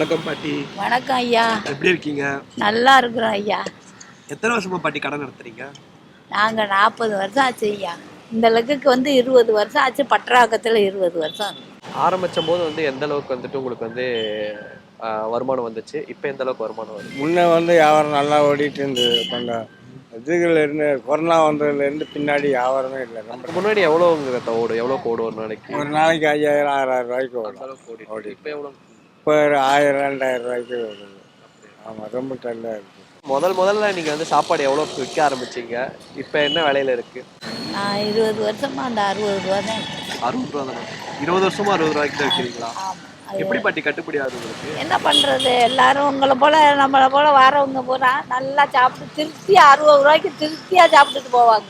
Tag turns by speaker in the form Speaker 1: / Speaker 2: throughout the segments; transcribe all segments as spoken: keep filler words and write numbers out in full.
Speaker 1: வணக்கம் பாட்டி.
Speaker 2: வணக்கம் ஐயா.
Speaker 1: எப்படி இருக்கீங்க?
Speaker 2: நல்லா இருக்கிறோம் ஐயா.
Speaker 1: எத்தனை வருஷமா பாட்டி கடை நடத்துறீங்க?
Speaker 2: நாங்கள் நாற்பது வருஷம் ஆச்சு ஐயா. இந்த லெக்குக்கு வந்து இருபது வருஷம் ஆச்சு. பற்றாக்கத்தில் இருபது வருஷம்.
Speaker 3: ஆரம்பிச்சும் போது வந்து எந்த அளவுக்கு வந்துட்டு உங்களுக்கு வந்து ஆஹ், வருமானம் வந்துச்சு? இப்போ எந்த அளவுக்கு வருமானம் வருது?
Speaker 4: முன்னே வந்து வியாபாரம் நல்லா ஓடிட்டு இருந்தது. கொஞ்சம் இதுகள் இருந்து கொரோனா வந்ததுலேருந்து பின்னாடி வியாபாரமே இல்லை.
Speaker 3: அதுக்கு
Speaker 4: நம்ம
Speaker 3: முன்னாடி எவ்வளோ உங்க ஓடும்? எவ்வளோ ஓடும் ஒரு நாளைக்கு?
Speaker 4: ஒரு நாளைக்கு ஐயாயிரம் ஆறாயிரம் ரூபாய்க்கு
Speaker 3: அந்த
Speaker 4: ஓடும்.
Speaker 3: அளவுக்கு ஓடிட்டு
Speaker 4: ஓடி
Speaker 3: இருக்கு. இப்போ எவ்வளோ?
Speaker 4: இப்போ ஒரு ஆயிரம் ரெண்டாயிரம் ரூபாய்க்கு ஓடுது. ஆமாம், ரொம்ப டல்லாக இருக்குது.
Speaker 3: முதல் முதல்ல நீங்க வந்து சாப்பாடு எவ்வளோ விற்க ஆரம்பிச்சீங்க? இப்போ என்ன விலையில இருக்கு?
Speaker 2: நான் இருபது வருஷமா அந்த அறுபது ரூபா தான் இருக்கேன்.
Speaker 1: அறுபது ரூபா தானே? இருபது வருஷமா அறுபது ரூபாய்க்கு தான் விற்கிறீங்களா?
Speaker 2: ஆமாம். அது
Speaker 1: எப்படி பாட்டி கட்டுப்படி ஆகுது உங்களுக்கு?
Speaker 2: என்ன பண்ணுறது, எல்லாரும் உங்களை போல் நம்மளை போல் வரவங்க பூரா நல்லா சாப்பிட்டு திருப்தி அறுபது ரூபாய்க்கு திருப்தியாக சாப்பிட்டுட்டு போவாங்க.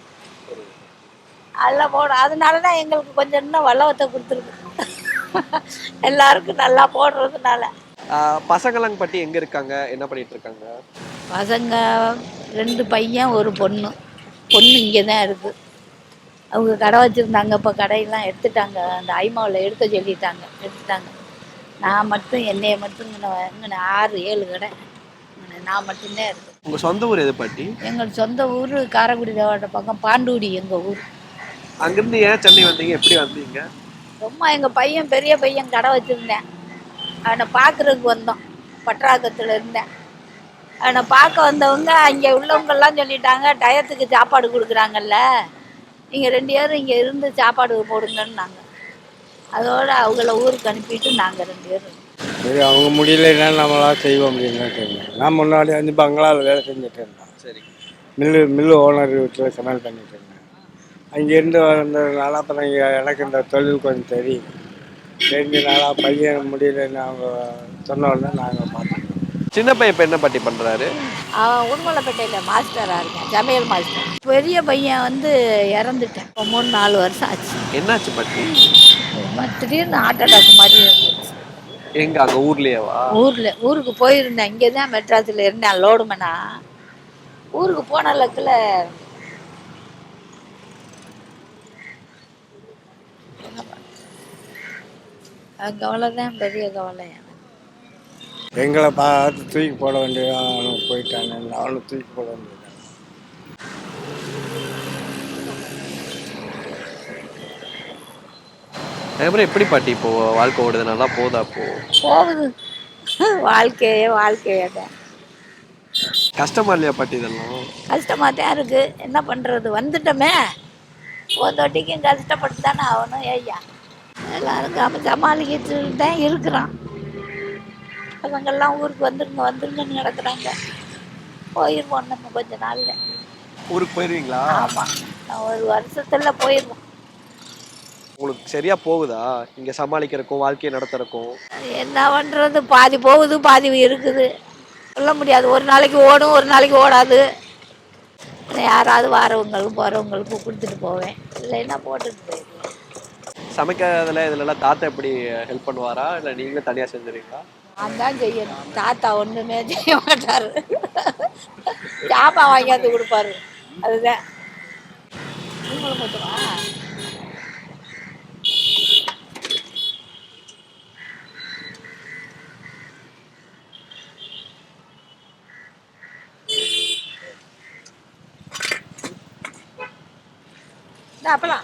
Speaker 2: அதெல்லாம் போட அதனால தான் எங்களுக்கு கொஞ்சம் இன்னும் வல்லவத்தை கொடுத்துருக்கு. எல்லாருக்கும் நல்லா போடுறதுனால.
Speaker 3: ஆஹ், பசங்களாங்க பாட்டி எங்க இருக்காங்க? என்ன பண்ணிட்டு இருக்காங்க?
Speaker 2: பசங்க ரெண்டு பையன் ஒரு பொண்ணு. பொண்ணு இங்கே தான் இருக்குது. அவங்க கடை வச்சுருந்தாங்க, இப்போ கடையெல்லாம் எடுத்துட்டாங்க. அந்த ஐமாவில் எடுக்க சொல்லிட்டாங்க, எடுத்துட்டாங்க. நான் மட்டும் என்னைய மட்டும் இங்கே இங்கே ஆறு ஏழு கடை இங்கே நான் மட்டும்தான் இருக்குது.
Speaker 1: உங்க சொந்த ஊர் எது பாட்டி?
Speaker 2: எங்கள் சொந்த ஊர் காரைக்குடி தேவாட்ட பக்கம் பாண்டூடி எங்கள் ஊர்.
Speaker 1: அங்கிருந்து ஏன் சென்னை வந்தீங்க? எப்படி வந்தீங்க?
Speaker 2: ரொம்ப எங்கள் பையன் பெரிய பையன் கடை வச்சுருந்தேன். அவனை பார்க்குறதுக்கு வந்தோம். பற்றாக்கத்தில் இருந்தேன். அவனை பார்க்க வந்தவங்க அங்கே உள்ளவங்கெல்லாம் சொல்லிட்டாங்க, டயத்துக்கு சாப்பாடு கொடுக்குறாங்கல்ல, நீங்கள் ரெண்டு பேரும் இங்கே இருந்து சாப்பாடு போடுங்கன்னாங்க. அதோடு அவங்கள ஊருக்கு அனுப்பிட்டு நாங்கள் ரெண்டு பேரும்.
Speaker 4: சரி, அவங்க முடியலைன்னா நம்மளா செய்வோம் அப்படின்னு தெரியும். நான் முன்னாடி வந்து பங்களாவில் வேலை செஞ்சுட்டு இருந்தேன்.
Speaker 3: சரி.
Speaker 4: மில்லு மில்லு ஓனர் வீட்டில் சமையல் பண்ணிட்டு இருந்தேன். அங்கேருந்து வந்ததுனால அப்புறம் இங்கே எனக்கு இந்த தொழில் கொஞ்சம் தெரியும். தெரிஞ்சதுனால பையன் முடியலைன்னு அவங்க சொன்ன உடனே நாங்கள் பார்த்தோம்.
Speaker 3: சின்ன பையன் இப்போ என்ன பாட்டி பண்றாரு?
Speaker 2: அவன் உடுமலைப்பேட்டையில் மாஸ்டராக இருக்கேன், சமையல் மாஸ்டர். பெரிய பையன் வந்து இறந்துட்டேன். இப்போ மூணு நாலு வருஷம் ஆச்சு.
Speaker 3: என்னாச்சு பாட்டி?
Speaker 2: ரொம்ப திடீர்னு ஹார்ட் அட்டாக் மாதிரி இருந்துச்சு.
Speaker 3: எங்க அங்க ஊர்லயேவா?
Speaker 2: ஊரில் ஊருக்கு போயிருந்தேன். இங்கே தான் மெட்ராஸில் இருந்தேன் லோடுமனா. ஊருக்கு போன லக்கில் கவலை தான், பெரிய கவலை.
Speaker 4: எங்களை பார்த்து தூக்கி போட வேண்டியது அவனுக்கு போயிட்டாங்க. அவனுக்கு தூக்கி போட வேண்டியது.
Speaker 3: அதுக்கப்புறம் எப்படி பாட்டி இப்போ வாழ்க்கை ஓடுது? நல்லா போதா? இப்போ
Speaker 2: போகுது. வாழ்க்கையே வாழ்க்கையே தான்.
Speaker 1: கஷ்டமா இல்லையா பாட்டி இதெல்லாம்?
Speaker 2: கஷ்டமாக தான் இருக்குது. என்ன பண்ணுறது, வந்துட்டோமே. போதோட்டிக்கும் கஷ்டப்பட்டு தானே ஆகணும். ஐயா எல்லாருக்கும் அப்போ சமாளிக்கிட்டு தான் இருக்கிறான். அவங்கெல்லாம் ஊருக்கு வந்துருங்க வந்துருங்கன்னு கிடக்குறாங்க. போயிடுவோம் நம்ம கொஞ்ச நாளில்.
Speaker 1: ஊருக்கு போயிருவீங்களா?
Speaker 2: ஆமாம், நான் ஒரு வருஷத்தில் போயிடுவோம்.
Speaker 3: உங்களுக்கு சரியா போகுதா இங்க சமாளிக்கிறக்கும் வாழ்க்கையை நடத்துறக்கும்?
Speaker 2: என்ன பண்ணுறது, பாதி போகுது பாதி இருக்குது. சொல்ல முடியாது. ஒரு நாளைக்கு ஓடும், ஒரு நாளைக்கு ஓடாது. யாராவது வரவங்களுக்கு போகிறவங்களுக்கு கொடுத்துட்டு போவேன், இல்லைன்னா போட்டுட்டு போயிடுவேன்.
Speaker 3: சமைக்கிறதுல இதுலலாம் தாத்தா எப்படி ஹெல்ப் பண்ணுவாரா, இல்லை நீங்களே தனியாக செஞ்சுருவீங்களா?
Speaker 2: நான் தான் செய்யணும். தாத்தா ஒன்றுமே செய்ய மாட்டார். சாப்பான் வாங்கியாந்து கொடுப்பாரு, அதுதான். நீங்களும் மட்டுமா? அப்பலாம்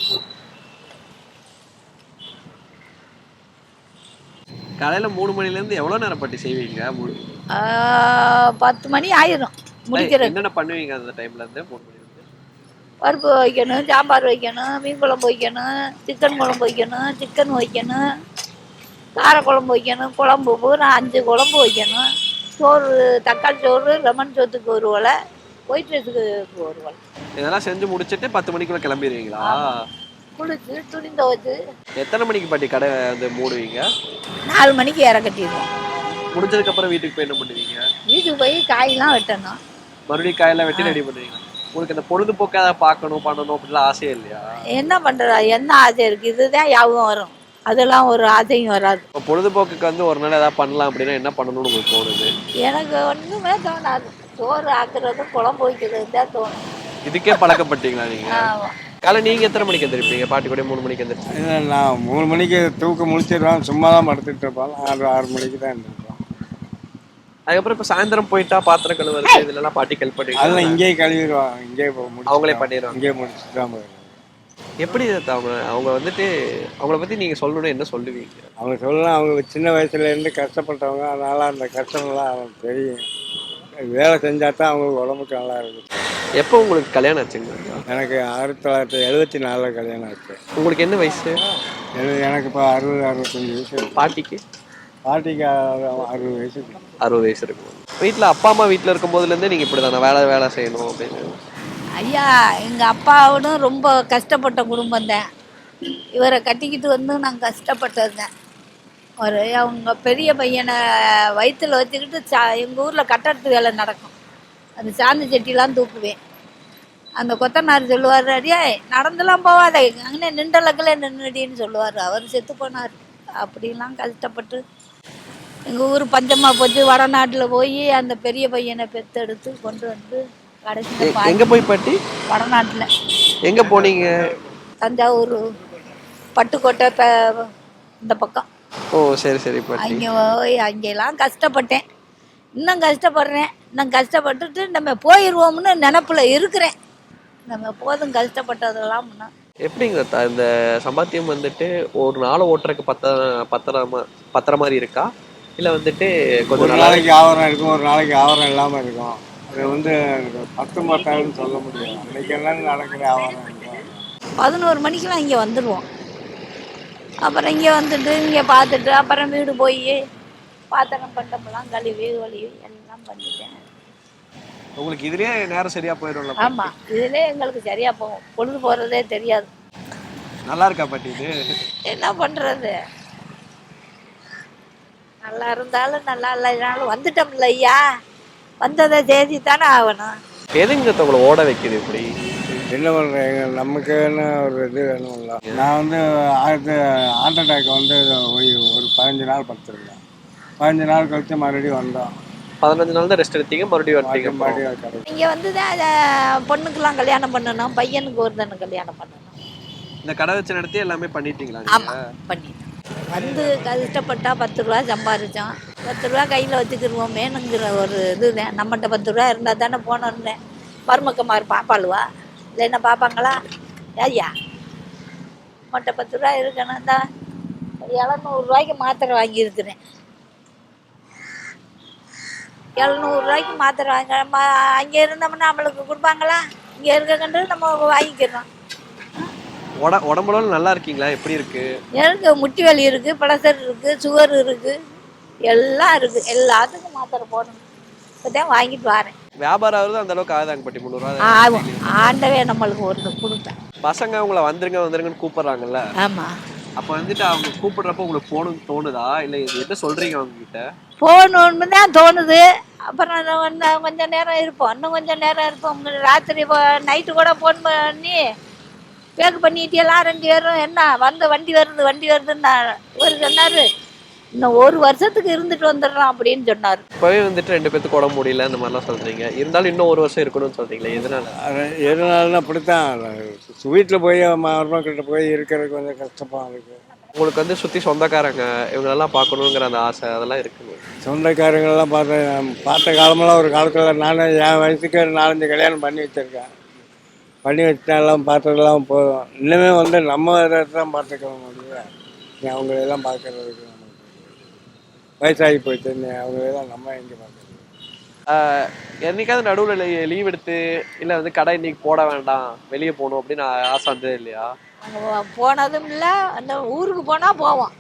Speaker 1: காலையில மூணு மணில இருந்து எவ்வளவு நேரம் பாட்டி செய்வீங்க? மூணு-
Speaker 2: பத்து மணி ஆயிரும் முடிக்கிறது.
Speaker 1: என்னென்ன பண்ணுவீங்க அந்த டைம்ல இருந்து? மூணு மணி இருந்து
Speaker 2: பருப்பு வைக்கணும், சாம்பார் வைக்கணும், மீன் குழம்பு வைக்கணும், சிக்கன் குழம்பு வைக்கணும், சிக்கன் வைக்கணும், காரக்குழம்பு வைக்கணும், குழம்பு பூரா அஞ்சு குழம்பு வைக்கணும். சோறு, தக்காளி சோறு, லெமன் சோத்துக்கு ஒரு ஒலை, ஒயிட் ரைஸுக்கு ஒரு ஒலை.
Speaker 1: இதெல்லாம் செஞ்சு முடிச்சிட்டு பத்து மணிக்குள்ள கிளம்பிடுவீங்களா?
Speaker 2: குளிச்சு துணி துவைச்சு
Speaker 3: எத்தனை மணிக்கு பாட்டி கடை வந்து மூடுவீங்க?
Speaker 2: நாலு மணிக்கு இற கட்டிடுவோம்.
Speaker 1: முடிஞ்சதுக்கு அப்புறம் வீட்டுக்கு போய் என்ன பண்ணுவீங்க?
Speaker 2: வீட்டுக்கு போய் காயெல்லாம் வெட்டணும்.
Speaker 1: மறுபடியும் காயெல்லாம் வெட்டி ரெடி பண்ணுவீங்க. உங்களுக்கு இந்த பொழுதுபோக்கு ஏதாவது பார்க்கணும் பண்ணணும் அப்படிலாம் ஆசையே இல்லையா?
Speaker 2: என்ன பண்ணுறா, என்ன ஆசை இருக்குது, இதுதான் ஞாபகம் வரும். அதெல்லாம் ஒரு ஆசையும் வராது.
Speaker 3: இப்போ பொழுதுபோக்குக்கு வந்து ஒரு நாள் ஏதாவது பண்ணலாம் அப்படின்னா என்ன பண்ணணும்னு உங்களுக்கு தோணுது?
Speaker 2: எனக்கு ஒன்றுமே தோணாது. சோறு ஆக்குறது, குழம்பு வைக்கிறது தான் தோணும்.
Speaker 3: இதுக்கே பழக்கப்பட்டீங்களா நீங்க?
Speaker 2: ஆமாம்.
Speaker 3: காலை நீங்க எத்தனை மணிக்கு எந்திரிப்பீங்க? பாட்டி கூட மூணு மணிக்கு எந்திரிச்சு.
Speaker 4: இல்லை நான் மூணு மணிக்கு தூக்கம் முழிச்சிடுவேன், சும்மா தான் படுத்துட்டு இருப்போம். ஆறு ஆறு மணிக்கு தான் இருந்திருப்போம்.
Speaker 3: அதுக்கப்புறம் இப்ப சாயந்தரம் போயிட்டா பாத்திரம் கழுவுறது இதுல எல்லாம் பாட்டி ஹெல்ப்
Speaker 4: அதெல்லாம்
Speaker 3: பண்ணிட்டு
Speaker 4: இங்கேயே கழுவிடுவாங்க, இங்கேயே முடிச்சு
Speaker 3: அவங்களே பண்ணிடுவாங்க.
Speaker 4: இங்கேயே முடிச்சுட்டு தான் போயிடுவாங்க.
Speaker 3: எப்படி இது அவங்க அவங்க வந்துட்டு அவங்கள பத்தி நீங்க சொல்லணும்னு என்ன சொல்லுவீங்க?
Speaker 4: அவங்க சொல்லலாம், அவங்க சின்ன வயசுலேருந்து கஷ்டப்பட்டவங்க, அதனால் அந்த கஷ்டம்லாம் அவங்களுக்கு தெரியும். வேலை செஞ்சால் தான் அவங்களுக்கு உடம்புக்கு நல்லா இருக்கும்.
Speaker 3: எப்போ உங்களுக்கு கல்யாணம் ஆச்சுங்க?
Speaker 4: எனக்கு ஆயிரத்தி தொள்ளாயிரத்தி எழுபத்தி நாலில் கல்யாணம் ஆச்சு.
Speaker 3: உங்களுக்கு என்ன வயசு?
Speaker 4: எனக்கு எனக்கு இப்போ அறுபது அறுபத்தஞ்சி வயசு இருக்கு.
Speaker 3: பாட்டிக்கு
Speaker 4: பாட்டிக்கு அறு- அறுபது வயசு இருக்கு.
Speaker 3: அறுபது வயசு இருக்கும். வீட்டில் அப்பா அம்மா வீட்டில் இருக்கும் போதுலேருந்தே நீங்கள் இப்படி தானே வேலை வேலை செய்யணும் அப்படின்னு?
Speaker 2: ஐயா எங்கள் அப்பாவோடும் ரொம்ப கஷ்டப்பட்ட குடும்பம் தான். இவரை கட்டிக்கிட்டு வந்து நான் கஷ்டப்பட்டதுங்க. ஒரு அவங்க பெரிய பையனை வயிற்றில் வச்சுக்கிட்டு சா எங்கள் ஊரில் கட்டடத்து வேலை நடக்கும், அந்த சாந்தி செட்டிலாம் தூக்குவேன். அந்த கொத்தனார் சொல்லுவார், அடியே நடந்துலாம் போவாத, அங்கே நின்றலக்கில் நின்றுடின்னு சொல்லுவார். அவர் செத்து போனார். அப்படிலாம் கஷ்டப்பட்டு எங்கள் ஊர் பஞ்சமாக போச்சு. வடநாட்டில் போய் அந்த பெரிய பையனை பெற்றெடுத்து கொண்டு வந்து கடைசியில் பா
Speaker 3: எங்கே போய் பாட்டி?
Speaker 2: வடநாட்டில்
Speaker 3: எங்கே போனீங்க?
Speaker 2: தஞ்சாவூர் பட்டுக்கோட்டை ப- இந்த பக்கம்.
Speaker 3: ஓ சரி சரி பாட்டி.
Speaker 2: அங்கே போய் அங்கெல்லாம் கஷ்டப்பட்டேன். இன்னும் கஷ்டப்படுறேன். இன்னும் கஷ்டப்பட்டுட்டு நம்ம போயிடுவோம்னு நினப்பில் இருக்கிறேன். நம்ம போதும் கஷ்டப்பட்டதெல்லாம் முன்னா.
Speaker 3: எப்படிங்க த- இந்த சம்பாத்தியம் வந்துட்டு ஒரு நாளை ஓட்டுறதுக்கு பத்த பத்திரமா பத்திர மாதிரி இருக்கா, இல்லை வந்துட்டு கொஞ்சம்
Speaker 4: ஒரு
Speaker 3: நல்லா
Speaker 4: நாளைக்கு ஆவரம் இருக்கும், ஒரு நாளைக்கு ஆவரம் இல்லாமல் இருக்கும். அது வந்து பத்து மாட்டாருன்னு சொல்ல முடியாது. அன்றைக்கி எல்லாம் நடக்கிற ஆவரம் இருக்கும்.
Speaker 2: பதினோரு மணிக்கெலாம் இங்கே வந்துடுவோம். அப்புறம் இங்கே வந்துட்டு இங்கே பார்த்துட்டு அப்புறம் வீடு போய் பாத்திரம் பண்டமெல்லாம் கழுவி ஒழுவி எல்லாம் பண்ணிட்டேன்.
Speaker 3: உங்களுக்கு இதுலயே நேரம் சரியா போயிடும்ல?
Speaker 2: ஆமாம், இதிலே எங்களுக்கு சரியாக போகும், பொழுது போகிறதே தெரியாது.
Speaker 3: நல்லா இருக்கா பாட்டி இது?
Speaker 2: என்ன பண்ணுறது, நல்லா இருந்தாலும் நல்லா இல்லைனாலும் வந்துட்டோம்ல ஐயா, வந்ததை தேதி தானே ஆகணும்.
Speaker 3: எதுங்க உங்களை ஓட வைக்குது இப்படி?
Speaker 4: என்ன பண்ணுறேன், நமக்குன்னு ஒரு இது வேணும்ல. நான் வந்து ஆயிரத்தி ஹார்ட் அட்டாக் வந்து ஒரு ஒரு பதினஞ்சு நாள் படுத்துருந்தேன். பதினஞ்சு நாள் கழிச்சு மறுபடியும் வந்தோம்.
Speaker 3: பதினஞ்சு நாள் தான் ரெஸ்ட் எடுத்தீங்க, மறுபடியும் வரட்டீங்க.
Speaker 4: மறுபடியும் கிடைக்கும்.
Speaker 2: இங்கே வந்து தான் அதை பொண்ணுக்கெல்லாம் கல்யாணம் பண்ணணும், பையனுக்கு ஒரு தானே கல்யாணம் பண்ணணும்.
Speaker 3: இந்த கடை வச்சு நடத்தி எல்லாமே பண்ணிட்டீங்களா?
Speaker 2: ஆமாம் பண்ணிட்டேன். வந்து கஷ்டப்பட்டா பத்து ரூபா சம்பாதிச்சோம். பத்து ரூபா கையில் வச்சுக்கிடுவோம் மேனுங்கிற ஒரு இதுதான். நம்மகிட்ட பத்து ரூபா இருந்தால் தானே போனோன்னு மருமக்கமார் பாப்பாளுவா, இல்லைன்னா பார்ப்பாங்களா? ஐயா நம்மகிட்ட பத்து ரூபா இருக்கணும் தான் எழுநூறுரூவாய்க்கு மாத்திரை வாங்கியிருக்கிறேன். எழுநூறுரூவாய்க்கு மாத்திரை வாங்க மா அங்கே இருந்தோம்னா நம்மளுக்கு கொடுப்பாங்களா? இங்கே இருக்க கண்டு நம்ம வாங்கிக்கிறோம்.
Speaker 3: உட உடம்புல நல்லா இருக்கீங்களா? எப்படி இருக்கு?
Speaker 2: எனக்கு முட்டி வலி இருக்குது, ப்ரெஷர் இருக்குது, சுகர் இருக்குது, எல்லாம் இருக்குது. எல்லாத்துக்கும் மாத்திரை போடணும். இப்போ தான் வாங்கிட்டு வரேன்.
Speaker 3: வியாபாரம் ஆகுறது அந்த அளவுக்கு ஆகுதாங்க பாட்டி? முந்நூறுவா
Speaker 2: ஆகும். ஆண்டவே நம்மளுக்கு ஒரு கொடுப்பேன்.
Speaker 3: பசங்க உங்களை வந்துருங்க வந்துருங்கன்னு கூப்பிடுறாங்கல்ல,
Speaker 2: ஆமாம்.
Speaker 3: அப்போ வந்துட்டு அவங்க கூப்பிடுறப்ப உங்களுக்கு போகணும்னு தோணுதா, இல்லை என்ன சொல்றீங்க அவங்க கிட்ட?
Speaker 2: போகணுன்னு தான் தோணுது. அப்புறம் நான் வந்து கொஞ்சம் நேரம் இருப்போம், இன்னும் கொஞ்சம் நேரம் இருப்போம். ராத்திரி நைட்டு கூட ஃபோன் பண்ணி பேக் பண்ணிட்டேலாம் ரெண்டு பேரும். என்ன வந்து வண்டி வருது வண்டி வருதுன்னு ஒரு சொன்னார். இன்னும் ஒரு வருஷத்துக்கு இருந்துட்டு வந்துடுறோம் அப்படின்னு சொன்னார்.
Speaker 3: இப்போவே வந்துட்டு ரெண்டு பேத்துக்கு உடம்பு முடியல இந்த மாதிரிலாம் சொல்றீங்க, இருந்தாலும் இன்னும் ஒரு வருஷம் இருக்கணும்னு சொல்றீங்களே, எதனால?
Speaker 4: அது எதனாலும் அப்படித்தான். வீட்டில் போய் மருமக்கிட்ட போய் இருக்கிறதுக்கு கொஞ்சம் கஷ்டமாக இருக்குது.
Speaker 3: உங்களுக்கு வந்து சுற்றி சொந்தக்காரங்க இவங்களெல்லாம் பார்க்கணுங்கிற அந்த ஆசை அதெல்லாம் இருக்குங்க?
Speaker 4: சொந்தக்காரங்களெல்லாம் பார்த்த பார்த்த காலமெல்லாம் ஒரு காலத்தில் நான் என் வயசுக்கு நாலஞ்சு கல்யாணம் பண்ணி வச்சுருக்கேன். பண்ணி வச்சுட்டாலாம் பார்த்ததெல்லாம் போதும். இன்னுமே வந்து நம்ம இதை தான் பார்த்துக்க முடியும். நீ அவங்களெல்லாம் பார்க்கறதுக்கு நமக்கு வயசாகி போயிட்டு அவங்களெல்லாம் நம்ம எங்கே பார்க்கறது?
Speaker 3: என்னைக்காவது நடுவில் லீவ் எடுத்து இல்லை வந்து கடை இன்னைக்கு போட வேண்டாம் வெளியே போகணும் அப்படின்னு ஆசை வந்தது இல்லையா?
Speaker 2: அங்கே போனதும் இல்லை. அந்த ஊருக்கு போனால் போவோம்.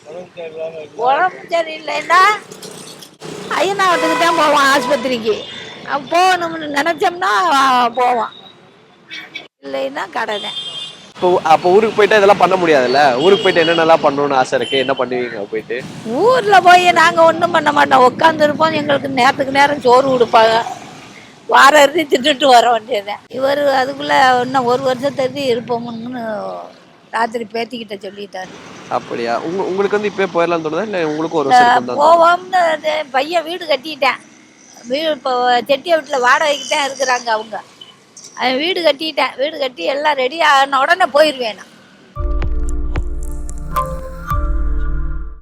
Speaker 2: உடம்பு சரியில்லைன்னா ஐயனாவத்துக்கு தான் போவோம், ஆஸ்பத்திரிக்கு. போகணும்னு நினச்சோம்னா போவோம், இல்லைன்னா கடை தான்.
Speaker 3: இப்போ அப்போ ஊருக்கு போயிட்டு இதெல்லாம் பண்ண முடியாதுல்ல? ஊருக்கு போயிட்டு என்னென்னலாம் பண்ணணும்னு ஆசை இருக்கு, என்ன பண்ணுவீங்க போயிட்டு?
Speaker 2: ஊரில் போய் நாங்கள் ஒன்றும் பண்ண மாட்டோம், உட்காந்துருப்போம். எங்களுக்கு நேரத்துக்கு நேரம் சோறு கொடுப்பாங்க, வார இறுதி திட்டுட்டு வர வேண்டியதுதான். இவர் அதுக்குள்ளே இன்னும் ஒரு வருஷத்துக்கு இருப்போம்னு ராத்திரி பேத்திக்கிட்ட சொல்லிட்டாரு.
Speaker 3: அப்படியா? உங்க உங்களுக்கு வந்து இப்போ போயிடலாம்னு தோணுதா, இல்லை உங்களுக்கு ஒரு வருஷம்
Speaker 2: போவோம்னு பையன் வீடு கட்டிட்டேன். வீடு இப்போ செட்டியை வீட்டில் வாடகைக்கு தான் இருக்கிறாங்க அவங்க. அவன் வீடு கட்டிட்டேன், வீடு கட்டி எல்லாம் ரெடி ஆன உடனே போயிடுவேன் நான்.